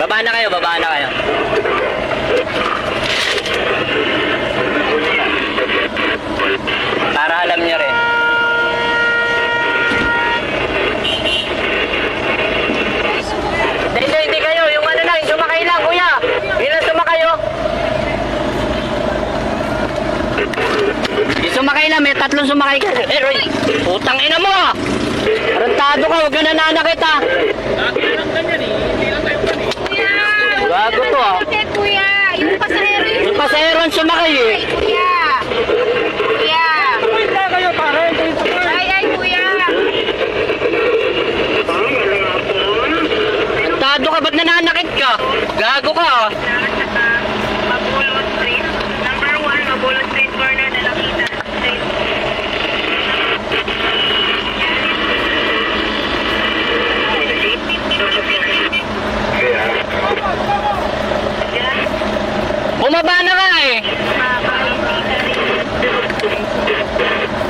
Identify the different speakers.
Speaker 1: Baba na kayo, baba na kayo. Para alam niyo rin. Hindi kayo. Yung ano lang, yung sumakay lang, kuya. Yun lang sumakay, oh. Yung sumakay lang, may tatlong sumakay ka. Roy, putang ina mo, ah. Arantado ka, huwag ka nananakit, ah. Bago to, ah.
Speaker 2: Bakit, kuya? Yung pasahero yun.
Speaker 1: Yung pasahero ang sumakay, eh.
Speaker 2: Ay, kuya. Kuya. Ay, kuya.
Speaker 1: Arantado ka, ba't nananakit ka? Gago ka, ah.
Speaker 2: Mabulot Street. Number 1, Mabulot Street, corner na Lakita Street.
Speaker 1: Bumaba na ka, eh.